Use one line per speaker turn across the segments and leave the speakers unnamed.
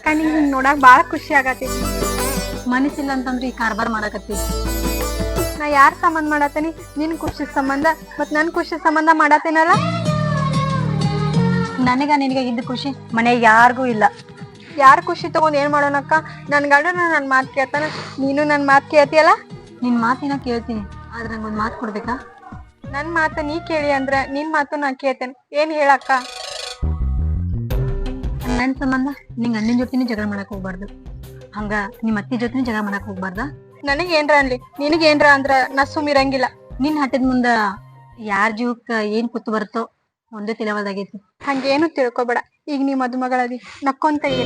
ನಿಂಗ್ ಹಿಂಗ್ ನೋಡಾಕ್ ಬಾಳ ಖುಷಿ ಆಗತೈತಿ.
ಮನಸ್ಸಿಲ್ಲ ಅಂತಂದ್ರೆ ಈ ಕಾರ್ಬಾರ್ ಮಾಡಕತ್ತಿ.
ನಾ ಯಾರ್ ಸಂಬಂಧ ಮಾಡತೇನಿ? ನಿನ್ ಖುಷಿ ಸಂಬಂಧ ಮತ್ ನನ್ ಖುಷಿ ಸಂಬಂಧ ಮಾಡತೇನಲ್ಲ.
ನನಗ ನಿನಗ ಇದ್ದ ಖುಷಿ ಮನೆ ಯಾರಿಗೂ ಇಲ್ಲ.
ಯಾರ್ ಖುಷಿ ತಗೊಂಡ್ ಏನ್ ಮಾಡೋಣಕ್ಕ? ನನ್ ಗಂಡನ ನನ್ ಮಾತ್ ಕೇಳ್ತಾನ, ನೀನು ನನ್ ಮಾತ್ ಕೇಳ್ತಿಯಲ್ಲ.
ನಿನ್ ಮಾತಿನ ಕೇಳ್ತೀನಿ, ಆದ್ರೆ ನಂಗೊಂದ್ ಮಾತು ಕೊಡ್ಬೇಕಾ?
ನನ್ ಮಾತ ನೀ ಕೇಳಿ ಅಂದ್ರ ನಿನ್ ಮಾತು ನಾ ಕೇಳ್ತೇನೆ. ಏನ್ ಹೇಳಕ್ಕ?
ನನ್ ಸಂಬಂಧ ನಿಂಗ್ ಅಣ್ಣನ ಜೊತೆನೂ ಜಗಳ ಮಾಡಕ್ ಹೋಗ್ಬಾರ್ದು, ಹಂಗ ನಿಮ್ ಅತ್ತಿ ಜೊತೆನೂ ಜಗಳ ಮಾಡಕ್ ಹೋಗ್ಬಾರ್ದ.
ನನಗ್ ಏನ್ರ ಅನ್ಲಿ, ನಿನಗ್ ಏನ್ರ ಅಂದ್ರ ನಾ ಸುಮ್ಮಿರಂಗಿಲ್ಲ.
ನಿನ್ ಹಟ್ಟದ ಮುಂದ ಯಾರ್ ಜೀವಕ್ಕ ಏನ್ ಕುತ್ತು ಬರುತ್ತೋ ಒಂದೇ ತಿಳಿವಲ್ದಾಗೈತಿ.
ಹಂಗೇನು ತಿಳ್ಕೊಬೇಡ. ಈಗ ನೀ ಮದುಮಗಳದಿ, ನಕ್ಕೊಂತ ಇರ.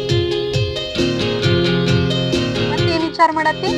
ಮತ್ತೇನ್ ವಿಚಾರ ಮಾಡತ್ತಿ?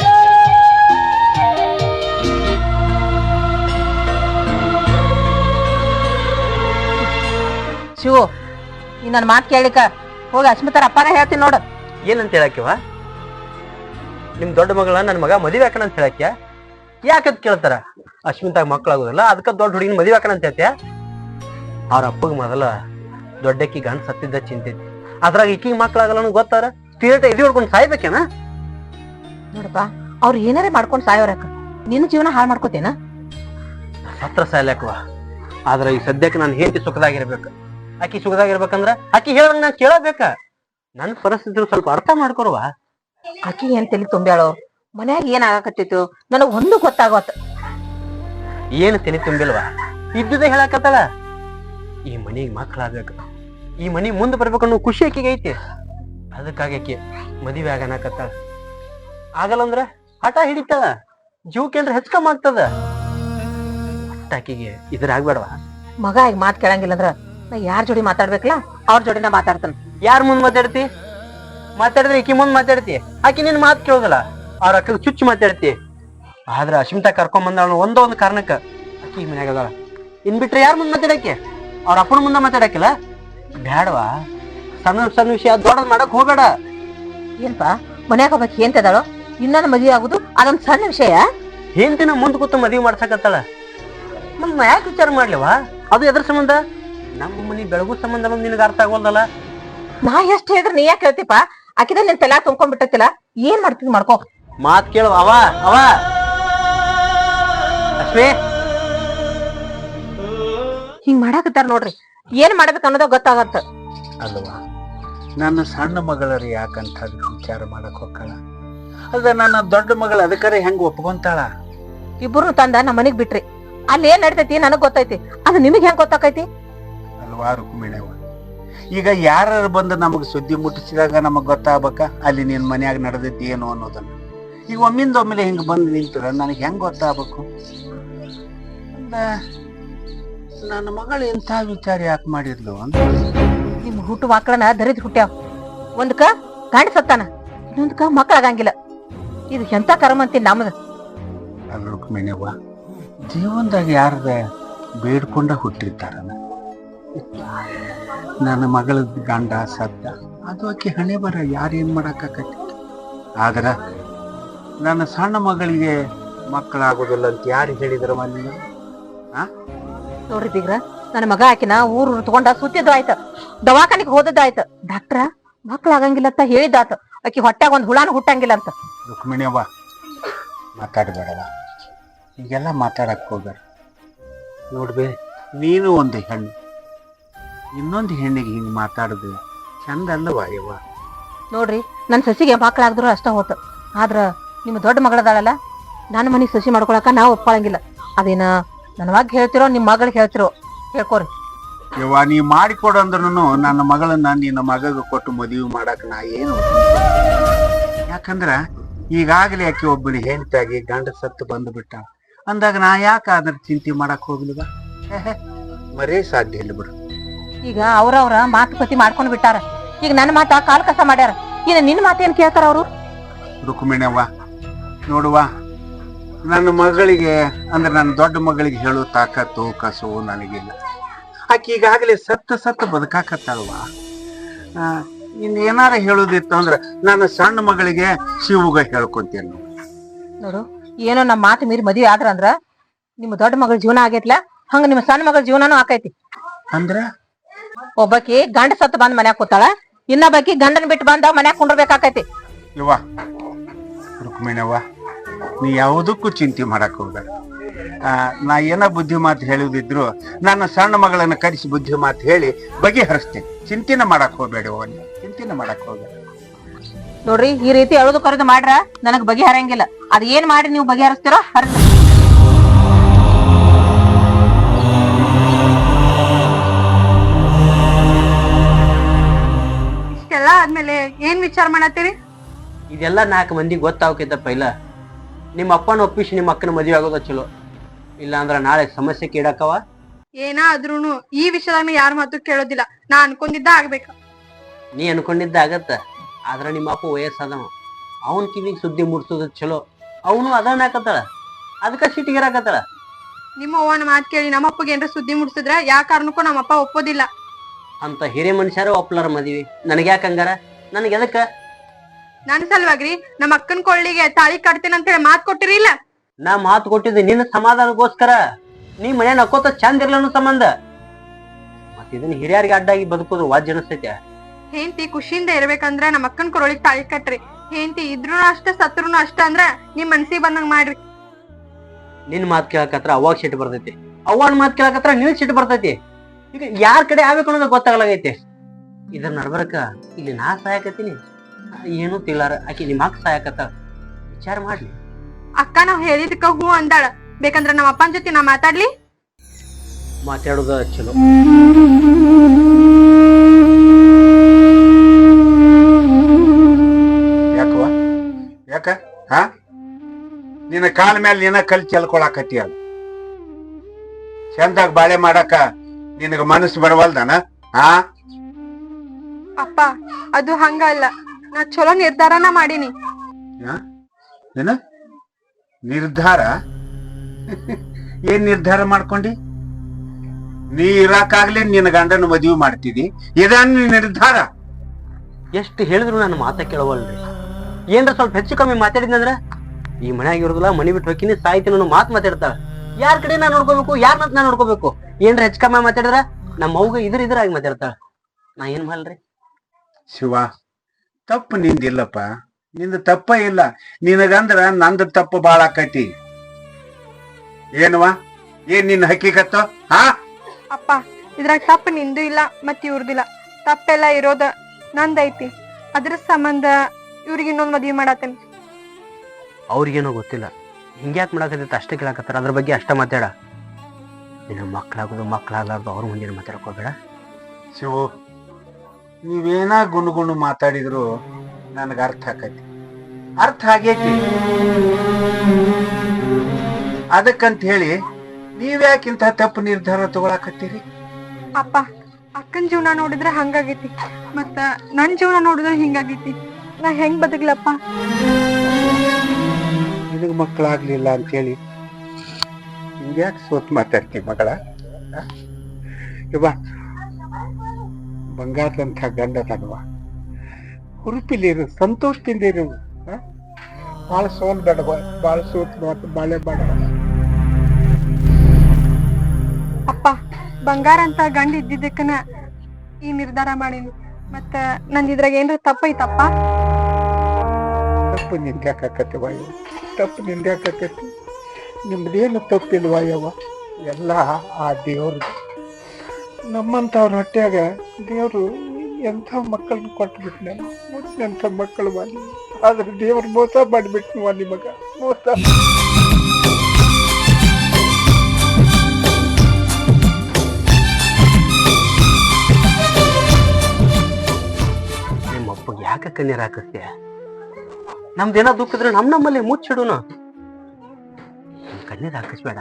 ಶಿವು, ಈ ನನ್ ಮಾತ್ ಕೇಳಿಕ ಹೋಗಿ ಅಸ್ಮಿತಾರ ಅಪ್ಪನ ಹೇಳ್ತೀನಿ ನೋಡು.
ಏನಂತ ಹೇಳಕ್ಕಿವ? ನಿಮ್ ದೊಡ್ಡ ಮಗಳ ನನ್ ಮಗ ಮದುವೆ ಹಾಕಣ ಅಂತ ಹೇಳಕ್ಯ? ಯಾಕಂತ ಕೇಳ್ತಾರ? ಅಶ್ಮಿತಾಗ ಮಕ್ಳಾಗುದಲ್ಲ, ಅದಕ್ಕ ದೊಡ್ಡ ಹುಡುಗಿನ ಮದುವೆ ಹಾಕಣ ಅಂತ ಹೇಳ್ತೀಯ? ಅವ್ರ ಅಪ್ಪಗ್ ಮೊದಲ ದೊಡ್ಡಕ್ಕಿ ಗಂಡ ಸತ್ತಿದ್ದ ಚಿಂತೈತಿ, ಅದ್ರಾಗ ಈಕಿಗೆ ಮಕ್ಳಾಗಲ್ಲ ಗೊತ್ತಾರ ತೀರಟ ಎದಿ ಹೊಡ್ಕೊಂಡು ಸಾಯ್ಬೇಕೇನ?
ನೋಡಪ್ಪ, ಅವ್ರು ಏನಾರೇ ಮಾಡ್ಕೊಂಡ್ ಸಾಯೋರಕ್ಕ, ನಿನ್ನ ಜೀವನ ಹಾಳು ಮಾಡ್ಕೋತೇನ?
ಸತ್ರ ಸಾಯ್ಲಕ್ಕವ. ಆದ್ರ ಈ ಸದ್ಯಕ್ಕೆ ನಾನು ಹೇಂತಿ ಸುಖದಾಗಿರ್ಬೇಕು. ಆಕಿ ಸುಖದಾಗಿರ್ಬೇಕಂದ್ರ ಆಕಿ ಹೇಳಂಗ ನಾನ್ ಕೇಳಬೇಕ. ನನ್ ಪರಿಸ್ಥಿತಿ ಸ್ವಲ್ಪ ಅರ್ಥ ಮಾಡ್ಕೊರುವ.
ಆಕಿ ಏನ್ ತಲಿ ತುಂಬ್ಯಾಳೋ, ಮನ್ಯಾಗ ಏನ್ ಆಗಾಕತ್ತಿತ್ತು ನನಗ್ ಒಂದು ಗೊತ್ತಾಗೋತ್.
ಏನ್ ತಲೆ ತುಂಬಿಲ್ವಾ? ಇದ್ದುದೇ ಹೇಳಕತ್ತಳ. ಈ ಮನಿಗ್ ಮಕ್ಳಾಗ್ಬೇಕು, ಈ ಮನಿ ಮುಂದೆ ಬರ್ಬೇಕು ಅನ್ನೋ ಖುಷಿ ಆಕಿಗೆ ಐತಿ. ಅದಕ್ಕಾಗಿ ಆಕಿ ಮದುವೆ ಆಗನಕತ್ತಾಳ. ಆಗಲ್ಲ ಅಂದ್ರ ಹಠ ಹಿಡಿತಾಳ, ಜೀವಕ್ಕೇನ್ರ ಹೆಚ್ಕಮ್ ಆಗ್ತದ. ಆಕಿಗೆ ಇದ್ರ ಆಗ್ಬೇಡವಾ?
ಮಗ ಈಗ ಮಾತ್ ಕೇಳಂಗಿಲ್ಲ ಅಂದ್ರ ನಾ ಯಾರ್ ಜೋಡಿ ಮಾತಾಡ್ಬೇಕಲ್ಲ ಅವ್ರ ಜೋಡಿನ ಮಾತಾಡ್ತಾನ.
ಯಾರ್ ಮುಂದ್ ಮಾತಾಡ್ತಿ? ಮಾತಾಡಿದ್ರೆ ಈಕಿ ಮುಂದ್ ಮಾತಾಡ್ತಿ, ಆಕಿ ನಿನ್ ಮಾತ್ ಕೇಳೋದಲ್ಲ. ಅವ್ರ ಅಕ್ಕಗ್ ಚುಚ್ಚು ಮಾತಾಡ್ತಿ. ಆದ್ರ ಅಶ್ಮಿತಾ ಕರ್ಕೊಂಡ್ ಬಂದ ಒಂದೊಂದು ಕಾರಣಕ್ಕ ಆಕಿ ಮನ್ಯಾಗ ಅದಾಳ. ಇನ್ ಬಿಟ್ರೆ ಯಾರ್ ಮುಂದ್ ಮಾತಾಡಕ್ಕೆ? ಅವ್ರ ಅಪ್ಪನ ಮುಂದೆ ಮಾತಾಡಕ್ಕಿಲ್ಲ. ಬ್ಯಾಡವಾ? ಸಣ್ಣ ಸಣ್ಣ ವಿಷಯ ದೊಡ್ಡದ್ ಮಾಡಕ್ ಹೋಗ್ಬೇಡ.
ಏನ್ಪಾ ಮನ್ಯಾಗ ಒಬ್ಬಾಕಿ ಏನ್ತದಾಳೋ, ಇನ್ನೊಂದು ಮದ್ವೆ ಆಗುದು ಅದೊಂದ್ ಸಣ್ಣ ವಿಷಯ?
ಹೆಂಡತಿನ ಮುಂದ್ ಕೂತು ಮದ್ವಿ ಮಾಡ್ಸಕತ್ತಾಳ. ಮತ್ ನಾ ಯಾಕೆ ವಿಚಾರ ಮಾಡ್ಲಿವಾ? ಅದು ಎದ್ರ ಸಂಬಂಧ? ನಮ್ಮ ಮನಿ ಬೆಳಗು ಸಂಬಂಧ ಬಂದ್ ನಿನಗ ಅರ್ಥ ಆಗೋಲ್ದಲ್ಲ.
ನಾ ಎಷ್ಟ್ ಹೇಳಿದ್ರೆ ನೀ ಯಾಕೆ ಹೇಳ್ತಿಪ್ಪ? ಆಕಿದ ನಿನ್ ತಲಾ ತುಂಬ್ಕೊಂಡ್ಬಿಟ್ಟಿಲ್ಲ, ಏನ್ ಮಾಡ್ತೀನಿ ಮಾಡ್ಕೋ.
ಮಾತ್ ಕೇಳುವ. ಅವ ಅಶ್ವೇ
ಹಿಂಗ್ ಮಾಡಾಕತ್ತಾರ ನೋಡ್ರಿ, ಏನ್ ಮಾಡ್ಬೇಕು ಅನ್ನೋದ ಗೊತ್ತಾಗತ್ತ.
ಅಲ್ವಾ, ನನ್ನ ಸಣ್ಣ ಮಗಳರಿ ಯಾಕಂತ ವಿಚಾರ ಮಾಡಕ್ ಹೋಗ್ತಾಳ? ಅದ ನನ್ನ ದೊಡ್ಡ ಮಗಳ ಅದಕ್ಕರೆ ಹೆಂಗ್ ಒಪ್ಕೊಂತಾಳ?
ಇಬ್ಬರು ತಂದ ನಮ್ಮ ಮನಿಗ್ ಬಿಟ್ರಿ, ಅಲ್ಲಿ ಏನ್ ನಡ್ತೈತಿ ನನಗ್ ಗೊತ್ತೈತಿ, ಅದು ನಿಮಗ್ ಹೆಂಗ್ ಗೊತ್ತಾಕೈತಿ?
ಅಲ್ವಾ ರುಕ್ಮಿಣವ್ವ, ಈಗ ಯಾರು ಬಂದು ನಮಗ್ ಸುದ್ದಿ ಮುಟ್ಟಿಸಿದಾಗ ನಮಗ್ ಗೊತ್ತಾಗ್ಬೇಕ ಅಲ್ಲಿ ನಿನ್ ಮನ್ಯಾಗ ನಡೆದೈತಿ ಏನು ಅನ್ನೋದನ್ನ. ಈಗ ಒಮ್ಮಿಂದ ಒಮ್ಮೆಲೆ ಹಿಂಗ್ ಬಂದು ನಿಂತರ ನನಗ್ ಹೆಂಗ್ ಗೊತ್ತಾಗ್ಬೇಕು? ನನ್ನ ಮಗಳು ಇಂಥ ವಿಚಾರ ಯಾಕೆ ಮಾಡಿದ್ಲು ಅಂತ.
ನಿಮ್ ಹುಟ್ಟು ಮಕ್ಕಳನ್ನ ದರಿದ್ ಹುಟ್ಟ್ಯಾವ. ಒಂದ್ಕ ಗಂಡ ಸತ್ತಾನ, ಇನ್ನೊಂದ್ಕ ಮಕ್ಕಳಾಗಂಗಿಲ್ಲ. ಇದು ಎಂತ ಕರ್ಮ ಅಂತೀನಿ ನಮ್ದ.
ಅಲ್ಲ ರುಕ್ಮಿಣವ್ವ, ಜೀವನದಾಗ ಯಾರದ ಬೇಡ್ಕೊಂಡ ಹುಟ್ಟಿರ್ತಾರ. ನನ್ನ ಮಗಳ ಗಂಡ ಸತ್ತ, ಅದು ಆಕಿ ಹಣೆ ಬರ, ಯಾರೇನ್ ಮಾಡಾಕತಿ. ಆದ್ರ ನನ್ನ ಸಣ್ಣ ಮಗಳಿಗೆ ಮಕ್ಕಳಾಗೋದಿಲ್ಲ ಅಂತ ಯಾರು ಹೇಳಿದ್ರ ಮನೆ?
ನೋಡ್ರಿ ಬೀಗ್ರ, ನನ್ನ ಮಗ ಆಕಿನ ಊರು ತಗೊಂಡ ಸುತ್ತಿದ್ದು ಆಯ್ತ, ದವಾಖಾನಿಗೆ ಹೋದದ್ದು ಆಯ್ತ. ಡಾಕ್ಟ್ರ ಮಕ್ಳಾಗಂಗಿಲ್ಲ ಅಂತ ಹೇಳಿದಾತ, ಆಕಿ ಹೊಟ್ಟಾಗ ಒಂದ್ ಹುಳಾನು ಹುಟ್ಟಂಗಿಲ್ಲ ಅಂತ.
ರುಕ್ಮಿಣಿಯವ್ವ, ಮಾತಾಡ್ಬೇಡವ, ಈಗೆಲ್ಲ ಮಾತಾಡಕ್ ಹೋಗ್ಬೇಡ. ನೋಡ್ಬೇ, ನೀನು ಒಂದು ಹೆಣ್ಣು, ಇನ್ನೊಂದು ಹೆಣ್ಣಿಗೆ ಹಿಂಗ್ ಮಾತಾಡುದು ಚಂದ ಅಲ್ಲವಾ ಯವ್ವ?
ನೋಡ್ರಿ, ನನ್ ಸಸಿಗೆ ಮಕ್ಳಾಗ್ದ್ರು ಅಷ್ಟ ಹೋತ, ಆದ್ರ ನಿಮ್ಮ ದೊಡ್ಡ ಮಗಳದಾಳಲ್ಲ, ನನ್ನ ಮನೆಗ್ ಸಸಿ ಮಾಡ್ಕೊಳಕ ನಾವು ಒಪ್ಕೊಳಂಗಿಲ್ಲ. ಅದೇನ ನನ್ನ ಮಗ ಹೇಳ್ತಿರೋ ನಿಮ್ ಮಗಳಿಗೆ ಹೇಳ್ತಿರೋ ಹೇಳ್ಕೊರಿ.
ಯವ್ವ, ನೀ ಮಾಡಿಕೊಡು ಅಂದ್ರೂ ನನ್ನ ಮಗಳನ್ನ ನಿನ್ನ ಮಗಗ ಕೊಟ್ಟು ಮದುವೆ ಮಾಡಕ್ ನಾ ಏನು, ಯಾಕಂದ್ರ ಈಗಾಗಲೇ ಆಕಿ ಒಬ್ಬಳಿ ಹೆಂಡತಿಯಾಗಿ ಗಂಡ ಸತ್ತು ಬಂದು ಬಿಟ್ಟ ಅಂದಾಗ ನಾ ಯಾಕೆ ಅದ್ರ ಚಿಂತೆ ಮಾಡಕ್ ಹೋಗ್ಲಿವ? ಮರೇ ಸಾಧ್ಯ ಇಲ್ಲ ಬಿಡು.
ಈಗ ಅವ್ರವ್ರ ಮಾತುಕತೆ ಮಾಡ್ಕೊಂಡ್ ಬಿಟ್ಟಾರ, ಈಗ ನನ್ನ ಮಾತ ಕಾಲ್ ಕಸ ಮಾಡ್ಯಾರ, ಈಗ ನಿನ್ನ ಮಾತೇನ್ ಕೇಳ್ತಾರ ಅವ್ರು?
ರುಕ್ಮಿಣವ್ವ, ನೋಡುವ, ನನ್ನ ಮಗಳಿಗೆ ಅಂದ್ರೆ ನನ್ನ ದೊಡ್ಡ ಮಗಳಿಗೆ ಹೇಳೋ ತಾಕತ್ತು ಕಸು ನನಗಿಲ್ಲ. ಆಕೆ ಈಗಾಗಲೇ ಸತ್ತ ಬದುಕಾಕತ್ತಾಳವಾ. ಇನ್ ಏನಾರ ಹೇಳುದಿತ್ತು ಅಂದ್ರ ನನ್ನ ಸಣ್ಣ ಮಗಳಿಗೆ ಶಿವಗ ಹೇಳ್ಕೊಂತೇನು.
ನೋಡು, ಏನೋ ನಮ್ಮ ಮಾತು ಮೀರಿ ಮದ್ವೆ ಆದ್ರ ಅಂದ್ರ ನಿಮ್ಮ ದೊಡ್ಡ ಮಗಳ ಜೀವನ ಆಗೈತ್ಲ, ಹಂಗ ನಿಮ್ಮ ಸಣ್ಣ ಮಗಳ ಜೀವನನೂ ಆಕೈತಿ.
ಅಂದ್ರ
ಒಬ್ಬಾಕಿ ಗಂಡ ಸತ್ತು ಬಂದ್ ಮನ್ಯಾಗ ಕೂತಾಳ, ಇನ್ನ ಬಾಕಿ ಗಂಡನ್ ಬಿಟ್ಟು ಬಂದ ಮನ್ಯಾಗ ಕುಂಡ್ರಬೇಕಾಕೈತಿ.
ಯವ್ವ ರುಕ್ಮಿಣವ್ವ, ನೀ ಯಾವುದಕ್ಕೂ ಚಿಂತೆ ಮಾಡಕ್ ಹೋಗ್ಬೇಡ. ನಾ ಏನ ಬುದ್ಧಿ ಮಾತು ಹೇಳುದಿದ್ರು ನನ್ನ ಸಣ್ಣ ಮಗಳನ್ನ ಕರೆಸಿ ಬುದ್ಧಿ ಮಾತು ಹೇಳಿ ಬಗೆಹರಿಸ್ತೇನೆ. ಚಿಂತೆನ ಮಾಡಕ್ ಹೋಗ್ಬೇಡ ಅವ್ವ, ನೀ ಚಿಂತೆನ ಮಾಡಕ್ ಹೋಗ್ಬೇಡ.
ನೋಡ್ರಿ, ಈ ರೀತಿ ಅಳುದು ಕರೆದು ಮಾಡ್ರ ನನಗ್ ಬಗೆಹರಂಗಿಲ್ಲ. ಅದ್ ಏನ್ ಮಾಡಿ ನೀವು ಬಗೆಹರಿಸ್ತೀರೋ ಹರಿದ.
ಇಷ್ಟೆಲ್ಲ ಆದ್ಮೇಲೆ ಏನ್ ವಿಚಾರ ಮಾಡತ್ತೀರಿ?
ಇದೆಲ್ಲ 4 ಮಂದಿ ಗೊತ್ತಾಗ್ತೈತಪ್ಪ. ಇಲ್ಲ ನಿಮ್ಮ ಅಪ್ಪನ ಒಪ್ಪಿಸಿ ನಿಮ್ಮ ಅಕ್ಕನ ಮದುವೆ ಆಗೋದ ಚಲೋ, ಇಲ್ಲ ಅಂದ್ರ ನಾಳೆ ಸಮಸ್ಯೆ ಕೇಳಕ್ಕವ.
ಏನಾದ್ರೂನು ಈ ವಿಷಯದಾಗ ಯಾರ ಮಾತು ಕೇಳೋದಿಲ್ಲ. ನಾ ಅನ್ಕೊಂಡಿದ್ದ ಆಗ್ಬೇಕ.
ನೀ ಅನ್ಕೊಂಡಿದ್ದ ಆಗತ್ತ, ಆದ್ರ ನಿಮ್ಮ ಅಪ್ಪ ವಯಸ್ಸಾದವ, ಅವನ್ ಕಿವಿಗೆ ಸುದ್ದಿ ಮುಡ್ಸೋದ ಚಲೋ. ಅವನು ಅದನ್ನ ಹಾಕತ್ತಾಳ, ಅದಕ್ಕ ಸಿಟಿಗಿರಾಕತ್ತಾಳ.
ನಿಮ್ಮ ಅವ್ವನ ಮಾತ್ ಕೇಳಿ ನಮ್ಮಪ್ಪಗೆ ಏನ್ರ ಸುದ್ದಿ ಮುಡ್ಸಿದ್ರ ಯಾ ಕಾರಣಕ್ಕೂ ನಮ್ಮಪ್ಪ ಒಪ್ಪೋದಿಲ್ಲ.
ಅಂತ ಹಿರಿಯ ಮನುಷ್ಯರು ಒಪ್ಲಾರ ಮದ್ವಿ, ನನಗ್ ಯಾಕ ಹಂಗಾರ? ನನಗೆ ಎದಕ್ಕ?
ನನ್ ಸಲುವಾಗ್ರಿ ನಮ್ಮ ಅಕ್ಕನ ಕೊಳ್ಳಿಗೆ ತಾಳಿ ಕಟ್ತೇನೆ ಅಂತ ಹೇಳಿ ಮಾತ್ ಕೊಟ್ಟಿರಿ ಇಲ್ಲ?
ನಾ ಮಾತು ಕೊಟ್ಟಿದ್ದೆ ನಿನ್ನ ಸಮಾಧಾನಕ್ಕೋಸ್ಕರ. ನೀ ಮನೆ ನಕ್ಕೋತ ಚಂದ ಇರ್ಲನ್ನು ಸಂಬಂಧ. ಮತ್ ಇದನ್ನ ಹಿರಿಯರಿಗೆ ಅಡ್ಡಾಗಿ ಬದುಕೋದು ವಾಜ್ ಅನಿಸ್ತೈತೆ.
ಹೆಂಡತಿ ಖುಷಿಯಿಂದ ಇರ್ಬೇಕಂದ್ರ ನಮ್ಮ ಅಕ್ಕನ ಕೊರಳಿಗೆ ತಾಳಿ ಕಟ್ರಿ. ಹೆಂಡತಿ ಇದ್ರೂ ಅಷ್ಟ ಸತ್ರುನು ಅಷ್ಟ ಅಂದ್ರ ನಿಮ್ ಮನ್ಸಿಗೆ ಬಂದಂಗ ಮಾಡ್ರಿ.
ನಿನ್ ಮಾತ್ ಕೇಳಕತ್ರ ಅವಾಗ ಸಿಟ್ಟು ಬರ್ತೈತಿ, ಅವನ್ ಮಾತ್ ಕೇಳಕತ್ರ ನಿನ್ ಸಿಟ್ಟು ಬರ್ತೈತಿ. ಈಗ ಯಾರ್ ಕಡೆ ಆಗ್ಬೇಕು ಅನ್ನೋದು ಗೊತ್ತಾಗಲಾಗೈತಿ. ಇದ್ರ ನಡ್ಬರಕ ಇಲ್ಲಿ ನಾ ಸಹಾಯಕತ್ತೀನಿ, ಏನು ತಿಳಾರ ಆಕಿ ನಿಮ್ಮ ಅಕ್ಕ ಸಹಾಯಕತ್ತ. ವಿಚಾರ ಮಾಡ್ಲಿ.
ಅಕ್ಕ ನಾವ್ ಹೇಳಿದಕ್ಕ ಹೂ ಅಂದಾಳ. ಬೇಕಂದ್ರ ನಮ್ಮ ಅಪ್ಪನ ಜೊತೆ ನಾ ಮಾತಾಡ್ಲಿ?
ಮಾತಾಡೋದ ಚಲೋ.
ಯಾಕವ್ವ ಯಾಕ ಹಾ ನಿನ್ನ ಕಾಲ ಮೇಲೆ ನಿನ್ನ ಕಲ್ ಚೆಲ್ಕೊಳಕತ್ತಿ. ಅಲ್ಲ ಚಂದಾಗ ಬಾಳೆ ಮಾಡಕ ನಿನಗ ಮನಸ್ಸು ಬರವಲ್ದಾನ? ಹಾ
ಅಪ್ಪ ಅದು ಹಂಗಲ್ಲ. ನಾ ಚಲೋ ನಿರ್ಧಾರನ ಮಾಡೀನಿ.
ಏನ ನಿರ್ಧಾರ? ಏನ್ ನಿರ್ಧಾರ ಮಾಡ್ಕೊಂಡಿ? ನೀ ಇರಾಕಾಗ್ಲೇ ನಿನ್ನ ಗಂಡನ ಮದುವೆ ಮಾಡ್ತಿದಿ, ಇದನ್ನ ನಿರ್ಧಾರ?
ಎಷ್ಟು ಹೇಳಿದ್ರು ನನ್ನ ಮಾತ ಕೇಳವಲ್ರಿ. ಏನ್ರ ಸ್ವಲ್ಪ ಹೆಚ್ಚು ಕಮ್ಮಿ ಮಾತಾಡಿದ್ನಂದ್ರ ಈ ಮನ್ಯಾಗ ಇರೋದಿಲ್ಲ, ಮನಿ ಬಿಟ್ಟು ಹೋಗಿನಿ, ಸಾಯ್ತೀನಿ ಅನ್ನೋ ಮಾತು ಮಾತಾಡ್ತಾಳ. ಯಾರ ಕಡೆ ನಾ ನೋಡ್ಕೋಬೇಕು, ಯಾರನ್ನ ನಾ ನೋಡ್ಕೋಬೇಕು? ಏನ್ರ ಹೆಚ್ಚು ಕಮ್ಮಿ ಮಾತಾಡಿದ್ರ ನಮ್ಮ ಅವ್ಗ ಇದ್ರಾಗಿ ಮಾತಾಡ್ತಾಳ. ನಾ ಏನ್ ಮಾಡ್ಲ್ರಿ?
ಶಿವ, ತಪ್ಪು ನಿಂದಿಲ್ಲಪ್ಪ, ನಿಂದ ತಪ್ಪ ಇಲ್ಲ. ನಿನಗಂದ್ರ ನಂದ ತಪ್ಪು ಬಾಳ ಆಕೈತಿ. ಏನವಾ ಏನ್ ನಿನ್ನ ಹಕ್ಕಿಗತ್ತ? ಹಾ
ಅಪ್ಪ ಇದ್ರಾಗ ತಪ್ಪು ನಿಂದು ಇಲ್ಲ ಮತ್ ಇವ್ರದಿಲ್ಲ. ತಪ್ಪೆಲ್ಲ ಇರೋದ ನಂದೈತಿ. ಅದ್ರ ಸಂಬಂಧ ಇವ್ರಿಗೆ ಇನ್ನೊಂದ್ ಮದ್ವಿ ಮಾಡತ್ತೇನಿ.
ಅವ್ರಿಗೇನೋ ಗೊತ್ತಿಲ್ಲ, ಹಿಂಗ್ಯಾಕ್ ಮಾಡಾಕತ್ತೈತೆ ಅಷ್ಟೇ ಕೇಳಾಕತ್ತಾರ. ಅದ್ರ ಬಗ್ಗೆ ಅಷ್ಟ ಮಾತಾಡ. ನಿನ್ನ ಮಕ್ಳಾಗೋದು ಮಕ್ಳಾಗ್ಲಾರ್ದು ಅವ್ರ ಮುಂದಿನ ಮಾತಾಡ್ಕೋಬೇಡ.
ಶಿವು, ನೀವೇನ ಗುಣಗುಣ ಮಾತಾಡಿದ್ರು ನನಗ ಅರ್ಥ ಆಕೈತಿ, ಅರ್ಥ ಆಗೈತಿ. ಅದಕ್ಕಂತ ಹೇಳಿ ನೀವ್ಯಾಕಿಂತ ತಪ್ಪು ನಿರ್ಧಾರ ತಗೊಳಕತ್ತೀರಿ?
ಅಪ್ಪ ಅಕ್ಕನ ಜೀವನ ನೋಡಿದ್ರೆ ಹಂಗಾಗೈತಿ, ಮತ್ತ ನನ್ ಜೀವನ ನೋಡಿದ್ರೆ ಹಿಂಗಾಗೈತಿ. ನಾ ಹೆಂಗ್ ಬದುಕ್ಲಪ್ಪ?
ನಿನಗ್ ಮಕ್ಕಳಾಗ್ಲಿಲ್ಲ ಅಂತ ಹೇಳಿ ಹಿಂಗ್ಯಾಕೆ ಸೋತ್ ಮಾತಾಡ್ತಿ ಮಗಳ? ಇವ ಬಂಗಾರದಂಥ ಗಂಡ ತಗವ, ಹುರುಪಿಲಿರು, ಸಂತೋಷದಿಂದ ಇರು. ಬಾಳ ಸೋಲ್ ಬೇಡವ, ಬಾಳ ಸೋತ್ ಬಾಳೆ ಬೇಡವ.
ಅಪ್ಪ ಬಂಗಾರ ಅಂತ ಗಂಡ ಇದ್ದಿದ್ದಕ್ಕನ ಈ ನಿರ್ಧಾರ ಮಾಡೀನಿ. ಮತ್ತ ನಂದ್ ಇದ್ರಾಗ ಏನ್ರ ತಪ್ಪೈತಪ್ಪ?
ತಪ್ಪು ನಿಂದ್ಯಾಕತ್ತವ, ತಪ್ಪು ನಿಂದ್ಯಾಕತ್ತಿ? ನಿಮ್ದೇನು ತಪ್ಪಿಲ್ವ ಯವ್ವ, ಎಲ್ಲ ಆ ದೇವ್ರದ್ದು. ನಮ್ಮಂತವ್ರ ಹೊಟ್ಯಾಗ ದೇವ್ರು ಎಂಥ ಮಕ್ಕಳನ್ನ ಕೊಟ್ಬಿಟ್ನೆ, ಎಂಥ ಮಕ್ಕಳು ಮಾಡಿ. ಆದ್ರೆ ದೇವ್ರು ಮೋಸ ಮಾಡಿಬಿಟ್ನವ ನಿಮಗ, ಮೋಸ.
ನಿಮ್ಮಪ್ಪಗೆ ಯಾಕೆ ಕಣ್ಣೀರ್ ಹಾಕಿಸ್ತೀಯ? ನಮ್ದೇನೋ ದುಃಖ ಇದ್ರೆ ನಮ್ಮಲ್ಲಿ ಮುಚ್ಚಿಡುನು. ಕಣ್ಣೀರ್ ಹಾಕಿಸ್ಬೇಡ,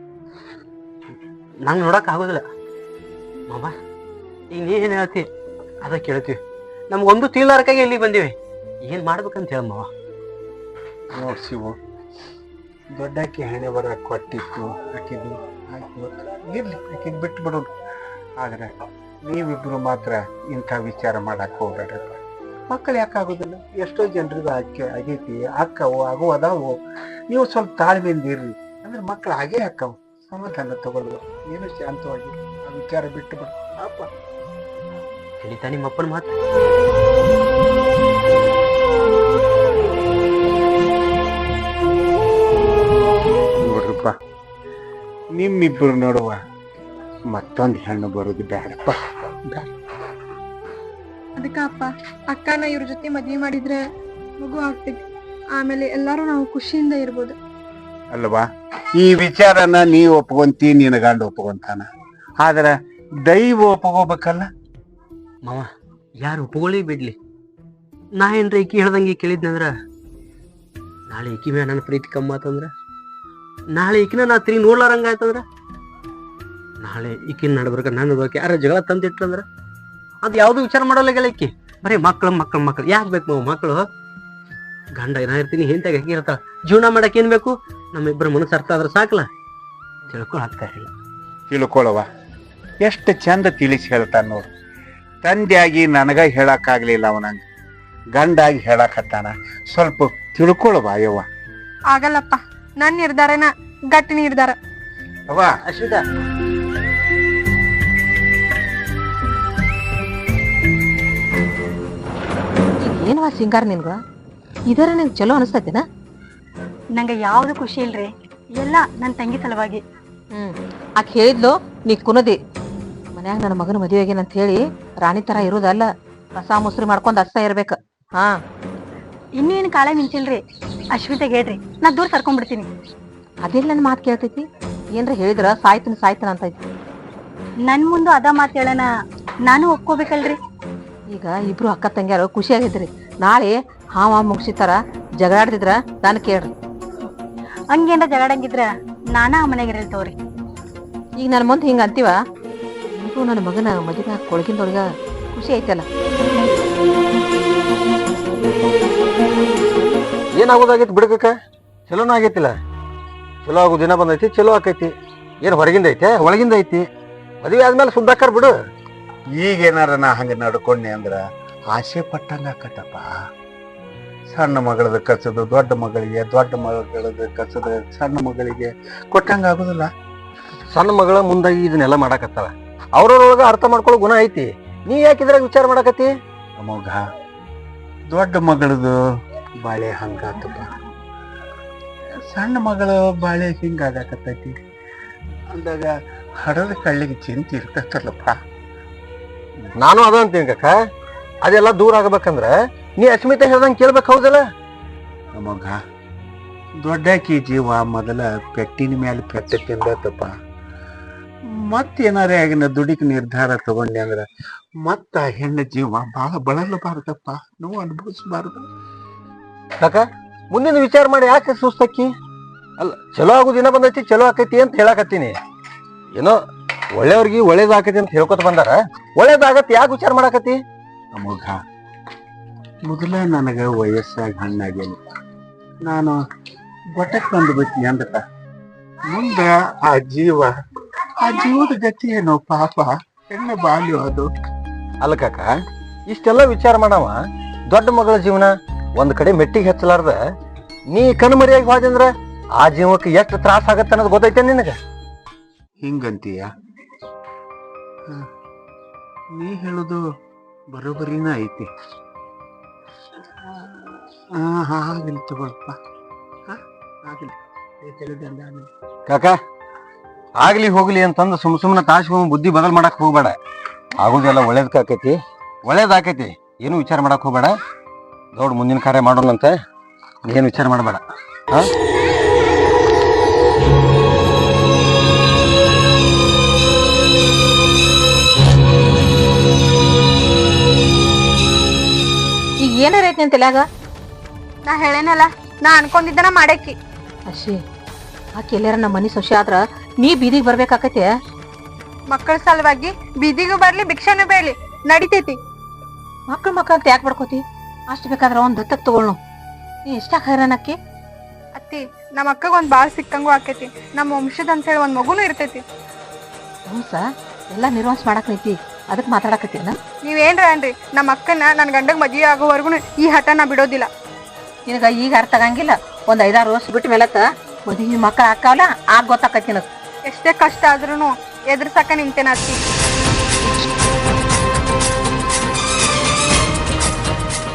ನಂಗೆ ನೋಡಕ್ ಆಗೋದಿಲ್ಲ. ಮಾಮ ಈಗ ನೀ ಏನ್ ಹೇಳ್ತಿ ಅದ ಕೇಳ್ತೀವಿ. ನಮ್ಗೊಂದು ತೀಲಾರಕ್ಕಾಗಿ ಇಲ್ಲಿ ಬಂದಿವಿ. ಏನ್ ಮಾಡ್ಬೇಕಂತ ಹೇಳ ಮಾವ.
ನೋಡ್ ಶಿವು, ದೊಡ್ಡಾಕಿ ಹಣೆ ಬರ ಕೊಟ್ಟಿತ್ತು, ಆಕಿದು ಆಯ್ತು, ಇರ್ಲಿ, ಆಕಿದ್ ಬಿಟ್ಟು ಬಿಡೋದು. ಆದ್ರೆ ನೀವಿಬ್ರು ಮಾತ್ರ ಇಂಥ ವಿಚಾರ ಮಾಡಕ್ ಹೋಗ್ಬೇಡ್ರಪ್ಪ. ಮಕ್ಕಳು ಯಾಕಾಗೋದಿಲ್ಲ? ಎಷ್ಟೋ ಜನರಿಗೂ ಆಗೈತಿ, ಅಕ್ಕವು ಆಗು ಅದಾವು. ನೀವು ಸ್ವಲ್ಪ ತಾಳ್ಮೆಯಿಂದ ಇರ್ರಿ, ಅಂದ್ರೆ ಮಕ್ಕಳು ಹಾಗೇ ಅಕ್ಕವು. ಸಮಾಧಾನ ತಗೊಳ್ಳುವ, ಏನು ಶಾಂತವಾಗಿ ಆ ವಿಚಾರ ಬಿಟ್ಟು ಬಿಡು ಅಪ್ಪ.
ತಿಳಿತಾ ನಿಮ್ಮಪ್ಪನ ಮಾತು?
ನಿಮ್ಮಿಬ್ಬರು ನೋಡುವ ಮತ್ತೊಂದು ಹೆಣ್ಣು ಬರೋದು ಬೇಡಪ್ಪ.
ಅದಕ್ಕ ಅಪ್ಪ ಅಕ್ಕನ ಇವ್ರ ಜೊತೆ ಮದ್ವೆ ಮಾಡಿದ್ರೆ ಮಗು ಆಗ್ತೈತಿ. ಆಮೇಲೆ ಎಲ್ಲಾರು ನಾವು ಖುಷಿಯಿಂದ ಇರ್ಬೋದು.
ಅಲ್ವಾ, ಈ ವಿಚಾರನ ನೀ ಒಪ್ಕೊಂತಿ, ನಿನ್ನ ಗಂಡ ಒಪ್ಕೊಂತಾನ. ಆದ್ರ ದೈವ ಒಪ್ಕೋಬೇಕಲ್ಲ.
ಮಾವ ಯಾರು ಒಪ್ಕೊಳ್ಳಿ ಬಿಡ್ಲಿ, ನಾ ಏನ್ರ ಈಕಿ ಹೇಳ್ದಂಗೆ ಕೇಳಿದ್ನಂದ್ರ ನಾಳೆ ಈಕಿ ಮ್ಯಾಲ ನನ್ನ ಪ್ರೀತಿ ಕಮ್ಮಿ ಆತಂದ್ರ, ನಾಳೆ ಈಕಿನ ನಾ ತಿರುಗಿ ನೋಡ್ಲಾರಂಗ ಆಯ್ತಂದ್ರ, ನಾಳೆ ಈಕಿನ ನಡ್ಬರ್ಕ ನನ್ನ ಬಗ್ಗೆ ಯಾರ ಜಗಳ ತಂದಿಟ್ರಂದ್ರ ಅದು ಯಾವ್ದು ವಿಚಾರ ಮಾಡೋಲ್ಲ ಈಕಿ. ಬರೀ ಮಕ್ಳು ಮಕ್ಳು ಮಕ್ಳು ಯಾಕೆ ಬೇಕು ಮಾವ ಮಕ್ಳು? ಗಂಡ ನಾ ಇರ್ತೀನಿ ಹೆಂತಾಗ ಹಾಕಿ ಇರ್ತಾಳ, ಜೀವನ ಮಾಡಕ್ ಏನ್ ಬೇಕು? ನಮ್ಮಿಬ್ಬರ ಮನಸ್ಸು ಅರ್ಥ ಆದ್ರೆ ಸಾಕಲ್ಲ, ತಿಳ್ಕೊಳಕ್ತಾ ಇಲ್ಲ.
ತಿಳ್ಕೊಳವ, ಎಷ್ಟು ಚಂದ ತಿಳಿಸಿ ಹೇಳ್ತಾನ ನೋಡು. ತಂದೆಯಾಗಿ ನನಗ ಹೇಳಕ್ಕಾಗ್ಲಿಲ್ಲ, ಅವನಂಗ ಗಂಡಾಗಿ ಹೇಳಕತ್ತಾನ. ಸ್ವಲ್ಪ ತಿಳ್ಕೊಳವ ಯವ್ವ.
ಆಗಲ್ಲಪ್ಪ, ನನ್ ನಿರ್ಧಾರನ ಗಟ್ಟಿ ನಿರ್ಧಾರ.
ಅವ್ವ
ಅಶ್ವಿತಾ,
ಏನವ ಸಿಂಗಾರ ನಿನ್ಗ? ಇದರ ನಿಂಗೆ ಚಲೋ ಅನಿಸ್ತೈತಿನ?
ನಂಗೆ ಯಾವ್ದು ಖುಷಿ ಇಲ್ರಿ, ಎಲ್ಲ ನನ್ನ ತಂಗಿ ಸಲುವಾಗಿ.
ಆಕೆ ಹೇಳಿದ್ಲು ನೀ ಕುನದಿ ಮನ್ಯಾಗ ನನ್ನ ಮಗನ ಮದುವೆ ಆಗೇನಂತ ಹೇಳಿ ರಾಣಿ ತರ ಇರೋದಲ್ಲ, ಕಸ ಮುಸ್ರಿ ಮಾಡ್ಕೊಂಡ್ ಅಷ್ಟ ಇರ್ಬೇಕ. ಹಾ,
ಇನ್ನೂ ಏನು ಕಾಳ ಮಿಂಚಿಲ್ರಿ. ಅಶ್ವಿತಾಗ ಹೇಳ್ರಿ, ನಾ ದೂರ ಸರ್ಕೊಂಡ್ಬಿಡ್ತೀನಿ.
ಅದೆಲ್ಲ ನನ್ನ ಮಾತು ಕೇಳ್ತೈತಿ? ಏನ್ರ ಹೇಳಿದ್ರ ಸಾಯ್ತನ ಅಂತೈತಿ.
ನನ್ ಮುಂದೆ ಅದ ಮಾತು ಹೇಳನ ನಾನು ಒಪ್ಕೋಬೇಕಲ್ರಿ.
ಈಗ ಇಬ್ರು ಅಕ್ಕ ತಂಗ್ಯಾರು ಖುಷಿಯಾಗಿದ್ರಿ, ನಾಳೆ ಹಾವ ಮುಗಿಸಿತಾರ ಜಗಳಾಡ್ತಿದ್ರ ನಾನು ಕೇಳ್ರಿ.
ಹಂಗೇನ್ರ ಜಗಾಡಂಗಿದ್ರ ನಾನಾ ಆ ಮನೆಗೆ ಇರಲ್ ತಗೋರಿ.
ಈಗ ನನ್ನ ಮುಂದೆ ಹಿಂಗ ಅಂತೀವ, ನಿಮಗೂ ನನ್ನ ಮಗನ ಮದುವೆ ಕೊಳಗಿಂದೊಳಗ ಖುಷಿ ಐತಲ್ಲ.
ಏನಾಗೋದಾಗೈತಿ ಬಿಡ್ಬೇಕ? ಚಲೋನ ಆಗೈತಿಲ್ಲ, ಚಲೋ ಆಗೋ ದಿನ ಬಂದೈತಿ, ಚಲೋ ಆಕೈತಿ. ಏನ್ ಹೊರಗಿಂದ ಐತೆ ಒಳಗಿಂದ ಐತಿ? ಮದುವೆ ಆದ್ಮೇಲೆ ಸುದ್ದಾಕರ್ ಬಿಡು.
ಈಗೇನಾರ ನಾ ಹಂಗ ನಡ್ಕೊಂಡೆ ಅಂದ್ರ ಆಸೆ ಪಟ್ಟಂಗ ಆಕತ್ತಪ್ಪ. ಸಣ್ಣ ಮಗಳದ ಕಸದು ದೊಡ್ಡ ಮಗಳಿಗೆ, ದೊಡ್ಡ ಮಗಳದ ಕಸದ ಸಣ್ಣ ಮಗಳಿಗೆ ಕೊಟ್ಟಂಗ ಆಗುದಿಲ್ಲ.
ಸಣ್ಣ ಮಗಳ ಮುಂದಾಗಿ ಇದನ್ನೆಲ್ಲ ಮಾಡಾಕತ್ತಾಳ, ಅವ್ರವ್ರೊಳಗ ಅರ್ಥ ಮಾಡ್ಕೊಳ್ಳೋ ಗುಣ ಐತಿ. ನೀ ಯಾಕೆ ಇದ್ರಾಗ ವಿಚಾರ ಮಾಡಾಕತ್ತಿ?
ಅಮೋಘ, ದೊಡ್ಡ ಮಗಳದು ಬಾಳೆ ಹಂಗಾತಪ್ಪ, ಸಣ್ಣ ಮಗಳ ಬಾಳೆ ಹಿಂಗಾಗಕತ್ತೈತಿ ಅಂದಾಗ ಹಡದ ಕಳ್ಳಿಗೆ ಚಿಂತೆ ಇರ್ತೈತಲ್ಲಪ್ಪ.
ನಾನು ಅದ ಅಂತೀನಿ ಕಕ್ಕ, ಅದೆಲ್ಲ ದೂರ ಆಗ್ಬೇಕಂದ್ರ ನೀ ಅಸ್ಮಿತಾ ಹೇಳ್ದಂಗೆ ಕೇಳ್ಬೇಕು, ಹೌದಲ್ಲ?
ಅಮೋಘ, ದೊಡ್ಡಾಕಿ ಜೀವ ಮೊದಲ ಪೆಟ್ಟಿನ ಮೇಲೆ ಪೆಟ್ಟ ತಿಂದತ್ತಪ್ಪ. ಮತ್ತೇನಾರೇ ಆಗಿನ ದುಡಿಕ್ ನಿರ್ಧಾರ ತಗೊಂಡೆ ಅಂದ್ರ ಮತ್ತ ಹೆಣ್ಣು ಜೀವ ಬಹಳ ಬಳಲಬಾರ್ದಪ್ಪ, ನೋವು ಅನುಭವಿಸಬಾರ್ದು.
ಕಕ್ಕ, ಮುಂದಿನ ವಿಚಾರ ಮಾಡಿ ಯಾಕೆ ಸುಸ್ತಕ್ಕಿ? ಅಲ್ಲ, ಚಲೋ ಆಗೋ ದಿನ ಬಂದೈತಿ, ಚಲೋ ಆಕೈತಿ ಅಂತ ಹೇಳಾಕತ್ತೀನಿ. ಏನೋ ಒಳ್ಳೆಯವ್ರಿಗೆ ಒಳ್ಳೇದಾಕೈತಿ ಅಂತ ಹೇಳ್ಕೊತ ಬಂದಾರ, ಒಳ್ಳೇದಾಗತ್ತೆ ಯಾಕೆ ವಿಚಾರ ಮಾಡಾಕತ್ತಿ?
ಅಮೋಘ, ಮೊದಲ ನನಗ ವಯಸ್ಸಾಗಿ ಹಣ್ಣಾಗೇನಿ, ನಾನು ಗೊಟ್ಟಕ್ ಬಂದು ಬಿಟ್ನಿ ಅಂದಕ ಮುಂದ ಆ ಜೀವದ ಗತಿ ಏನೋ ಪಾಪ, ಹೆಣ್ಣು ಬಾಲ್ಯ ಅದು.
ಅಲ್ಲ ಕಕ್ಕ, ಇಷ್ಟೆಲ್ಲ ವಿಚಾರ ಮಾಡವ ದೊಡ್ಡ ಮಗಳ ಜೀವನ ಒಂದ್ ಕಡೆ ಮೆಟ್ಟಿಗೆ ಹಚ್ಚಲಾರ್ದ ನೀ ಕಣ್ಮರಿಯಾಗಿ ಹೋದಂದ್ರ ಆ ಜೀವಕ್ಕೆ ಎಷ್ಟು ತ್ರಾಸ ಆಗತ್ತ ಅನ್ನೋದು ಗೊತ್ತೈತೆ ನಿನಗ?
ಹಿಂಗಂತೀಯ? ನೀ ಹೇಳುದು ಬರೋಬರಿನ ಐತಿ. ಆಗಲಿ ತಗೊಳಪ್ಪ, ಆಗಲಿ.
ಕಾಕ, ಆಗ್ಲಿ ಹೋಗ್ಲಿ ಅಂತಂದು ಸುಮ್ಮನೆ ತಾಸ್ಕೊಂಡ್ ಬುದ್ಧಿ ಬದಲ್ ಮಾಡಕ್ ಹೋಗ್ಬೇಡ. ಆಗುದೆಲ್ಲ ಒಳ್ಳೇದಕ್ಕಾಕೈತಿ, ಒಳ್ಳೇದಾಕೈತಿ, ಏನು ವಿಚಾರ ಮಾಡಕ್ ಹೋಗ್ಬೇಡ. ದೊಡ್ಡ ಮುಂದಿನ ಕಾರ್ಯ ಮಾಡೋಣಂತೆ, ಏನು ವಿಚಾರ ಮಾಡಬೇಡ. ಹಾ,
ಈಗ ಏನಾರ ಐತಿ ಅಂತ ತಲ್ಯಾಗ?
ನಾ ಹೇಳೇನಲ್ಲ, ನಾ ಅನ್ಕೊಂಡಿದ್ದನ ಮಾಡೇಕಿ.
ಅಶಿ, ಆಕೆ ಎಲ್ಲಾರ ನಮ್ಮ ಮನಿ ಸೊಸೆ ಆದ್ರ ನೀ ಬೀದಿಗೆ ಬರ್ಬೇಕಾಕೈತೆ.
ಮಕ್ಕಳ ಸಲುವಾಗಿ ಬೀದಿಗೂ ಬರ್ಲಿ ಭಿಕ್ಷಾನು ಬೇಡ್ಲಿ ನಡಿತೈತಿ.
ಮಕ್ಳು ಅಂತ ಯಾಕೆ ಬಡ್ಕೋತಿ? ಅಷ್ಟು ಬೇಕಾದ್ರ ಒಂದ್ ದತ್ತಕ್ ತಗೊಳ್ನು. ನೀ ಎಷ್ಟಾಗ ಹೈರಾಣಕ್ಕಿ?
ಅತ್ತಿ, ನಮ್ಮ ಅಕ್ಕಗ ಒಂದ್ ಬಾಳ್ ಸಿಕ್ಕಂಗೂ ಆಕೈತಿ, ನಮ್ಮ ವಂಶದ ಅಂತ ಹೇಳಿ ಒಂದ್ ಮಗುನು ಇರ್ತೈತಿ.
ಹೌಸ, ಎಲ್ಲಾ ನಿರ್ವಾಸ ಮಾಡಕ್ ನಿಂತಿ, ಅದಕ್ ಮಾತಾಡಕತ್ತೀನ?
ನೀವೇನ್ರ ಅನ್ರಿ, ನಮ್ಮ ಅಕ್ಕನ ನನ್ ಗಂಡಗ್ ಮದ್ವೆ ಆಗೋವರ್ಗುನು ಈ ಹಠ ನಾ ಬಿಡೋದಿಲ್ಲ.
ನಿನಗ ಈಗ ಅರ್ಥ ಆಗಂಗಿಲ್ಲ, ಒಂದ್ 5-6 ವರ್ಷ ಬಿಟ್ಟ ಮೇಲತ್ತ ಮದ್ವಿ ಮಕ್ಕಳ ಹಾಕಾವಲ್ಲ, ಆಗ ಗೊತ್ತಾಕೈತಿ ನಿನಗ.
ಎಷ್ಟೇ ಕಷ್ಟ ಆದ್ರೂನು ಎದುರ್ಸಕ ನಿಂತೇನ ಅತ್ತಿ.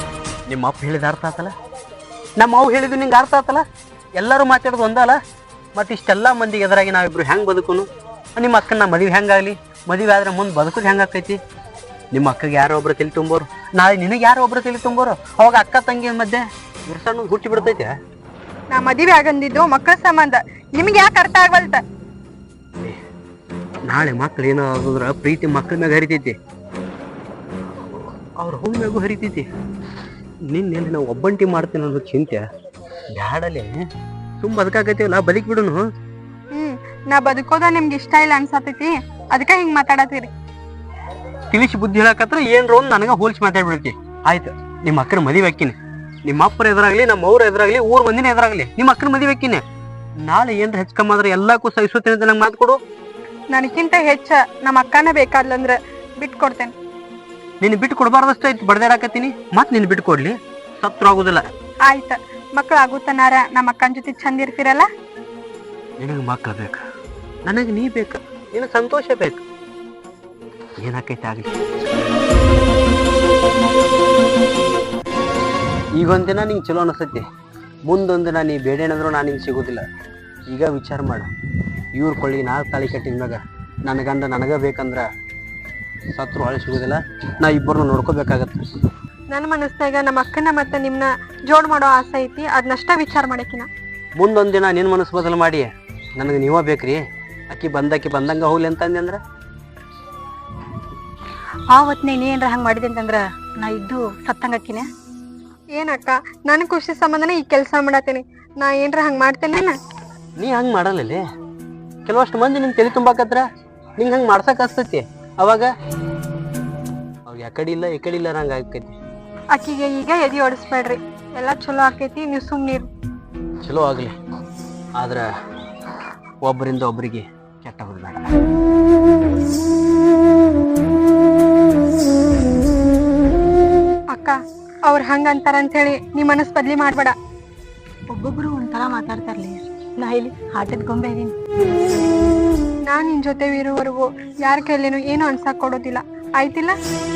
ನಿಮ್ಮ ಅಪ್ಪ ಹೇಳಿದ ಅರ್ಥ ಆತಲ್ಲ, ನಮ್ಮ ಅವ್ ಹೇಳಿದ್ದು ನಿಂಗೆ ಅರ್ಥ ಆತಲ್ಲ, ಎಲ್ಲರೂ ಮಾತಾಡೋದು ಒಂದಲ್ಲ. ಮತ್ತೆ ಇಷ್ಟೆಲ್ಲ ಮಂದಿಗೆ ಎದುರಾಗಿ ನಾವಿಬ್ರು ಹೆಂಗ್ ಬದುಕುನು? ನಿಮ್ಮ ಅಕ್ಕನ ಮದುವೆ ಹೆಂಗಾಗ್ಲಿ? ಮದುವೆ ಆದ್ರೆ ಮುಂದೆ ಬದುಕೋದು ಹೆಂಗಾಕೈತಿ? ನಿಮ್ಮ ಅಕ್ಕಗೆ ಯಾರೋ ಒಬ್ರು ತಲೆ ತುಂಬೋರು, ನಾಳೆ ನಿನಗೆ ಯಾರೋ ಒಬ್ರು ತಲೆ ತುಂಬೋರು, ಅವಾಗ ಅಕ್ಕ ತಂಗಿ ಮಧ್ಯೆ ಬಿರ್ಸಣ್ಣ ಹುಟ್ಟಿ ಬಿಡ್ತೈತೆ.
ನಾ ಮದುವೆ ಆಗಂದಿದ್ದು ಮಕ್ಕಳ ಸಂಬಂಧ, ನಿಮ್ಗೆ ಯಾಕೆ ಅರ್ಥ ಆಗವಲ್ತ?
ನಾಳೆ ಮಕ್ಳು ಏನೋ ಆಗುದ್ರ ಪ್ರೀತಿ ಮಕ್ಳ ಮ್ಯಾಗ ಹರಿತೈತಿ, ಅವ್ರ ಹೋಗಿ ಮ್ಯಾಗೂ ಹರಿತೈತಿ. ನಿನ್ನೆಲ್ಲಿ ನಾವು ಒಬ್ಬಂಟಿ ಮಾಡ್ತೀನಿ ಅನ್ನೋದು ಚಿಂತೆ ಬ್ಯಾಡಲೆ. ಸುಮ್ ಬದುಕಾಕೈತಿವಲ್ಲ, ಬದುಕ್ ಬಿಡುನು.
ನಾ ಬದುಕೋದ ನಿಮ್ಗೆ ಇಷ್ಟ ಇಲ್ಲ ಅನ್ಸತೈತಿ, ಅದಕ್ಕ ಹಿಂಗ್ ಮಾತಾಡತ್ತೀರಿ.
ತಿಳಿಸಿ ಬುದ್ಧಿ ಹೇಳಕತ್ರ ಏನ್ರ ಒಂದ್ ನನಗ ಹೋಲ್ಸಿ ಮಾತಾಡ್ಬಿಡ್ತಿ. ಆಯ್ತು, ನಿಮ್ಮ ಅಕ್ಕನ ಮದುವೆ ಹಾಕಿನಿ, ನಿಮ್ಮ ಅಪ್ಪರ ಎದುರಾಗ್ಲಿ, ನಮ್ಮ ಅವ್ರ ಎದುರಾಗ್ಲಿ, ಊರ್ ಮಂದಿನ ಎದುರಾಗ್ಲಿ ನಿಮ್ಮ ಅಕ್ಕನ ಮದುವೆ ಹಾಕಿನಿ. ನಾಳೆ ಏನ್ರ ಹೆಚ್ಚಕಮ್ಮಾದ್ರೆ ಎಲ್ಲಕ್ಕೂ ಸಹಿಸುತ್ತೇನೆ ಅಂತ ನಂಗೆ ಮಾತು ಕೊಡು.
ನನಗಿಂತ ಹೆಚ್ಚ ನಮ್ಮ ಅಕ್ಕನ ಬೇಕಾದ್ಲಂದ್ರ ಬಿಟ್ಟು ಕೊಡ್ತೇನೆ.
ನೀನು ಬಿಟ್ಟು ಕೊಡಬಾರ್ದಷ್ಟ ಐತಿ ಬಡ್ದಾಡಕತ್ತೀನಿ, ಮತ್ ನೀನು ಬಿಟ್ಟು ಕೊಡ್ಲಿ? ಸತ್ರು ಆಗುದಿಲ್ಲ.
ಆಯ್ತ, ಮಕ್ಳು ಆಗುತ್ತನಾರ ನಮ್ಮ ಅಕ್ಕನ ಜೊತೆ ಚಂದ ಇರ್ತೀರಲ್ಲ.
ನಿನಗೆ ಮಕ್ಳು ಬೇಕು, ನನಗೆ ನೀ ಬೇಕು, ನಿನಗೆ ಸಂತೋಷ ಬೇಕು, ಏನಾಕೈತೆ ಆಗ್ಲಿ. ಈಗೊಂದಿನ ನಿಂಗೆ ಚಲೋ ಅನಿಸ್ತೈತಿ, ಮುಂದೊಂದಿನ ನೀ ಬೇಡೇನಂದ್ರು ನಾನು ನಿಂಗೆ ಸಿಗೋದಿಲ್ಲ. ಈಗ ವಿಚಾರ ಮಾಡು, ಇವ್ರ ಕೊಳ್ಳಿ ನಾ ತಾಳಿ ಕಟ್ಟಿದ್ಮ್ಯಾಗ ನನ್ನ ಗಂಡ ನನಗ ಬೇಕಂದ್ರ ಸತ್ರು ಹೊಳೆ ಸಿಗೋದಿಲ್ಲ, ನಾ ಇಬ್ಬರನ್ನ ನೋಡ್ಕೋಬೇಕಾಗತ್ತೆ.
ನನ್ನ ಮನಸ್ನಾಗ ನಮ್ಮ ಅಕ್ಕನ ಮತ್ತೆ ನಿಮ್ನ ಜೋಡ್ ಮಾಡೋ ಆಸೆ ಐತಿ, ಅದನ್ನಷ್ಟ ವಿಚಾರ ಮಾಡಕಿನ.
ಮುಂದೊಂದಿನ ನಿನ್ನ ಮನಸ್ಸು ಬದಲು ಮಾಡಿ ನನಗೆ ನೀವ ಬೇಕ್ರಿ, ಅಕ್ಕಿ ಬಂದಂಗ ಹೋಗ್ಲಿ ಅಂತಂದೆ ಅಂದ್ರ
ಆವತ್ನೇ ನೀ ಏನ್ರ ಹಂಗ್ ಮಾಡಿದೆ ಅಂತಂದ್ರ ನಾ ಇದ್ದು ಸತ್ತಂಗಕ್ಕಿನ.
ಏನಕ್ಕ, ನನ್ ಖುಷಿ ಸಂಬಂಧನೇ ಈ ಕೆಲ್ಸ ಮಾಡತ್ತೇನಿ, ನಾ ಏನ್ರ ಹಂಗ್ ಮಾಡ್ತೇನೆ?
ನೀ ಹಂಗೆ ಮಾಡಲ್ಲೇ. ಕೆಲವಷ್ಟು ಮಂದಿ ನಿಂಗೆ ತಲೆ ತುಂಬಾಕತ್ರ ನಿಂಗೆ ಹಂಗೆ ಮಾಡ್ಸಕ್ ಹಸ್ತೈತಿ, ಅವಾಗ ಅವಾಗ ಯಾಕಡೆ ಇಲ್ಲ ಈ ಇಲ್ಲ ಹಂಗ ಆಕೈತಿ.
ಅಕ್ಕಿಗೆ ಈಗ ಎದಿ ಓಡಿಸ್ಬೇಡ್ರಿ, ಎಲ್ಲಾ ಚಲೋ ಆಕೈತಿ, ನೀವು ಸುಮ್ನೀರು.
ಚಲೋ ಆಗ್ಲಿ, ಆದ್ರ ಒಬ್ಬರಿಂದ ಒಬ್ಬರಿಗೆ ಕೆಟ್ಟ ಹೋಗ್ಬೇಡ.
ಅಕ್ಕ, ಅವ್ರ ಹಂಗ ಅಂತಾರಂತ ಹೇಳಿ ನೀ ಮನಸ್ ಬದ್ಲಿ ಮಾಡ್ಬೇಡ.
ಒಬ್ಬೊಬ್ರು ಒಂಥರ ಮಾತಾಡ್ತಾರ್ಲಿ, ನಾ ಇಲ್ಲಿ ಆಟದ ಗೊಂಬೆ ಇದೀನಿ.
ನಾನ್ ನಿನ್ ಜೊತೆ ಇರುವವರೆಗೂ ಯಾರ ಕೈಲೇನು ಏನು ಅನ್ಸಕ್ ಕೊಡೋದಿಲ್ಲ, ಆಯ್ತಿಲ್ಲ?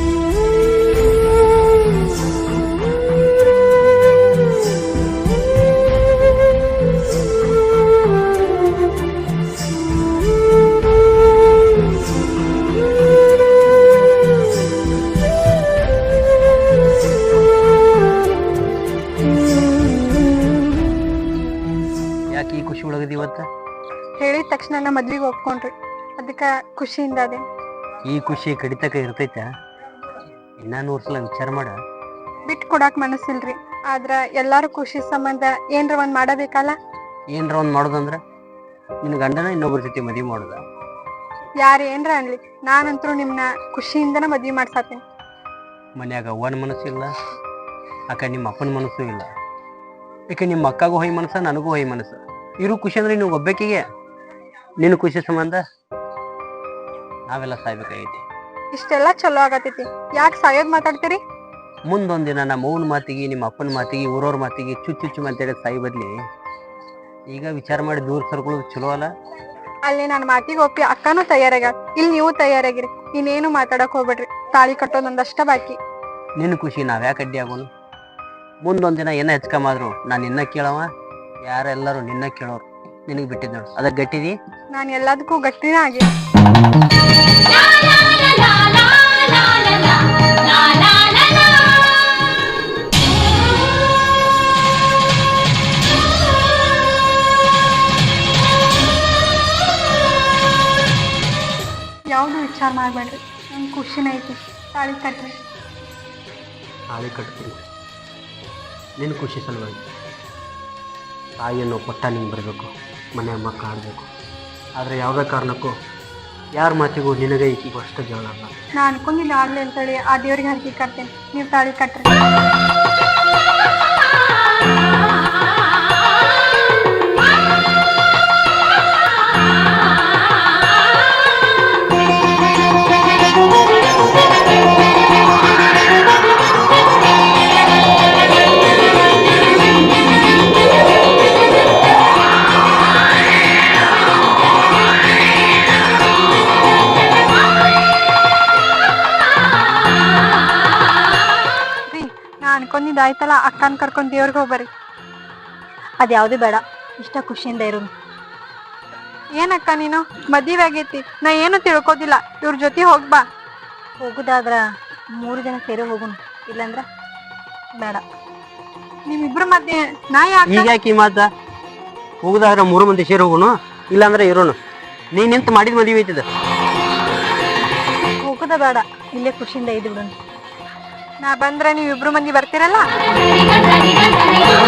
ಯಾಕೆ ಈ ಖುಷಿ ಒಳಗದಿ ಇವತ್ತ?
ಹೇಳಿದ ತಕ್ಷಣ ನಾ ಮದ್ವಿಗೆ ಒಪ್ಕೊಂಡ್ರಿ, ಅದಕ್ಕ ಖುಷಿಯಿಂದ ಅದೇ.
ಈ ಖುಷಿ ಕಡಿತಕ ಇರ್ತೈತ? ಇನ್ನ 100 ಸಲ ವಿಚಾರ ಮಾಡ.
ಬಿಟ್ಟು ಕೊಡಾಕ್ ಮನಸ್ಸಿಲ್ರಿ, ಆದ್ರ ಎಲ್ಲಾರು ಖುಷಿ ಸಂಬಂಧ ಏನ್ರ ಒಂದ್ ಮಾಡಬೇಕಲ್ಲ.
ಏನ್ರ ಒಂದ್ ಮಾಡೋದಂದ್ರ ನಿನ್ ಗಂಡನ ಇನ್ನೊಬ್ಬರ ಜೊತೆ ಮದ್ವಿ ಮಾಡೋದ?
ಯಾರ ಏನ್ರ ಅನ್ಲಿ, ನಾನಂತರೂ ನಿಮ್ನ ಖುಷಿಯಿಂದನ ಮದ್ವಿ ಮಾಡ್ಸಾತೀನಿ.
ಮನ್ಯಾಗ ಅವ್ವನ ಮನಸ್ಸು ಇಲ್ಲ, ಅಕ್ಕ ನಿಮ್ಮ ಅಪ್ಪನ ಮನಸ್ಸು ಇಲ್ಲ, ಯಾಕೆ ನಿಮ್ಮ ಅಕ್ಕಗೂ ಹೊಯ್ ಮನಸ್ಸ, ನನಗೂ ಹೊಯ್ ಮನಸ್ಸು. ಇರು ಖುಷಿ ಅಂದ್ರೆ ನೀವು ಒಬ್ಬಾಕಿಗೆ, ನಿನ್ನ ಖುಷಿ ಸಂಬಂಧ ನಾವೆಲ್ಲ ಸಾಯ್ಬೇಕಾಗೈತಿ.
ಇಷ್ಟೆಲ್ಲ ಚಲೋ ಆಗತೈತಿ, ಯಾಕೆ ಸಾಯೋದ್ ಮಾತಾಡ್ತೀರಿ?
ಮುಂದೊಂದಿನ ನಮ್ಮ ಅವ್ವನ ಮಾತಿಗೆ, ನಿಮ್ಮ ಅಪ್ಪನ ಮಾತಿಗೆ, ಊರವ್ರ ಮಾತಿಗೆ ಚುಚ್ಚು ಮಾತಾಡಿ ಸಾಯಿ ಬದ್ಲಿ ಈಗ ವಿಚಾರ ಮಾಡಿ ದೂರ ಸರ್ಕೊಳ್ಳೋದು ಚಲೋ ಅಲ್ಲ?
ಅಲ್ಲಿ ನನ್ನ ಮಾತಿಗೆ ಒಪ್ಪಿ ಅಕ್ಕನೂ ತಯಾರಾಗ್ಯಾರ, ಇಲ್ಲಿ ನೀವು ತಯಾರಾಗಿರಿ. ಇನ್ನೇನು ಮಾತಾಡಕ್ ಹೋಗ್ಬೇಡ್ರಿ, ತಾಳಿ ಕಟ್ಟೋದೊಂದಷ್ಟ ಬಾಕಿ.
ನಿನ್ನ ಖುಷಿ ನಾವ್ಯಾಕೆ ಅಡ್ಡಿ ಆಗೋನು? ಮುಂದೊಂದಿನ ಏನ ಹೆಚ್ಕಮಾದ್ರು ನಾನು ನಿನ್ನ ಕೇಳವ, ಯಾರೆಲ್ಲರೂ ನಿನ್ನ ಕೇಳೋರು. ನಿನಗೆ ಬಿಟ್ಟಿದ್ ನೋಡು, ಅದಕ್ಕೆ ಗಟ್ಟಿದಿ.
ನಾನು ಎಲ್ಲದಕ್ಕೂ ಗಟ್ಟಿನ ಆಗಿ. ಯಾವ್ದು ವಿಚಾರ ಮಾಡ್ಬೇಡ್ರಿ, ನನ್ ಖುಷಿನ ಐತಿ, ತಾಳಿ ಕಟ್ರಿ.
ತಾಳಿ ಕಟ್ತೀನಿ ನಿನ್ನ ಖುಷಿ ಸಲುವಾಗಿ. ತಾಯಿಯನ್ನು ಪಟ್ಟ ನಿಂಗೆ ಬರಬೇಕು, ಮನೆ ಮಕ್ಕಳು ಆಡಬೇಕು. ಆದರೆ ಯಾವುದೇ ಕಾರಣಕ್ಕೂ ಯಾರ ಮಾತಿಗೂ ನಿನಗೆ ಈಕಿಗೂ ಅಷ್ಟು ಜಗಳ ಅಲ್ಲ.
ನಾ ಅನ್ಕೊಂಡಿಲ್ಲ ಆಗ್ಲಿ ಅಂತೇಳಿ ಆ ದೇವ್ರಿಗೆ ಹರಕೆ ಕಟ್ತೇನೆ, ನೀವು ತಾಳಿ ಕಟ್ರಿ. ಅನ್ಕೊಂಡಿದ್ದಾಯ್ತಲ್ಲ, ಅಕ್ಕನ್ ಕರ್ಕೊಂಡ್ ದೇವ್ರಿಗೆ ಹೋಗ್ಬರಿ.
ಅದ್ಯಾವ್ದು ಬೇಡ, ಇಷ್ಟ ಖುಷಿಯಿಂದ ಇರು.
ಏನಕ್ಕ ನೀನು ಮದುವೆ ಆಗೈತಿ ನಾ ಏನು ತಿಳ್ಕೋದಿಲ್ಲ ಇವ್ರ ಜೊತೆ ಹೋಗ್ಬಾ.
ಹೋಗುದಾದ್ರ 3 ಜನ ಸೇರಿ ಹೋಗುನು, ಇಲ್ಲಂದ್ರ ಬೇಡ.
ನಿಮ್ಮಿಬ್ರ ಮಧ್ಯೆ ನಾ ಯಾಕ
ಈಗ ಯಾಕೆ ಈ ಮಾತ? ಹೋಗುದಾದ್ರೆ 3 ಮಂದಿ ಸೇರಿ ಹೋಗುನು, ಇಲ್ಲಾಂದ್ರೆ ಇರೋನು. ನೀನ್ ನಿಂತ ಮಾಡಿದ ಮದುವೆ ಐತಿದ.
ಹೋಗುದ ಬೇಡ, ಇಲ್ಲೇ ಖುಷಿಯಿಂದ ಇದ್ದು ಬಿಡೋಣ.
ನಾ ಬಂದ್ರೆ ನೀವ್ ಇಬ್ರು ಮಂದಿ ಬರ್ತೀರಲ್ಲ.